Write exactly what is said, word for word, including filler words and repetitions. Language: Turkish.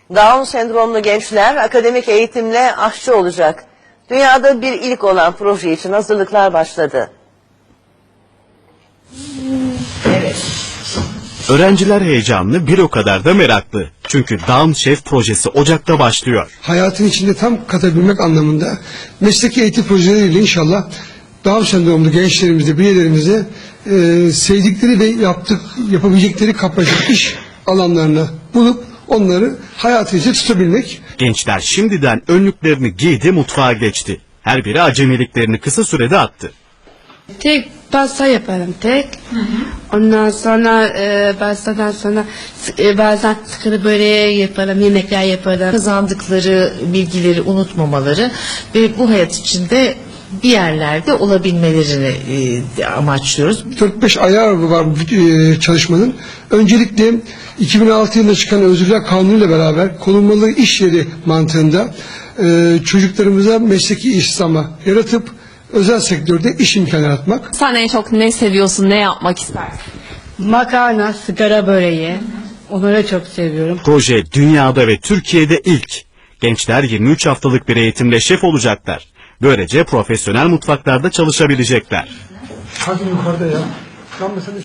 Down sendromlu gençler akademik eğitimle aşçı olacak. Dünyada bir ilk olan proje için hazırlıklar başladı. Evet. Öğrenciler heyecanlı, bir o kadar da meraklı. Çünkü Down Chef projesi Ocak'ta başlıyor. Hayatın içinde tam katabilmek anlamında mesleki eğitim projeleriyle inşallah Down sendromlu gençlerimize, bireylerimize e, sevdikleri ve yaptık, yapabilecekleri kapasite iş alanlarını bulup onları hayatı içinde tutabilmek. Gençler şimdiden önlüklerini giydi, mutfağa geçti. Her biri acemiliklerini kısa sürede attı. Tek pasta yaparım tek. Hı hı. Ondan sonra e, pastadan sonra e, bazen sıkılı böreği yaparım, yemekler yaparım. Kazandıkları bilgileri unutmamaları ve bu hayat içinde bir yerlerde olabilmelerini e, amaçlıyoruz. dört beş ayağı var bu e, çalışmanın. Öncelikle iki bin altı yılında çıkan Özürler Kanunu ile beraber korunmalı iş yeri mantığında e, çocuklarımıza mesleki istihdamı yaratıp özel sektörde iş imkanı yaratmak. Sen en çok ne seviyorsun, ne yapmak istersin? Makarna, sigara böreği. Onları çok seviyorum. Proje dünyada ve Türkiye'de ilk. Gençler yirmi üç haftalık bir eğitimle şef olacaklar. Böylece profesyonel mutfaklarda çalışabilecekler. Hadi yukarıda ya. Lan mesela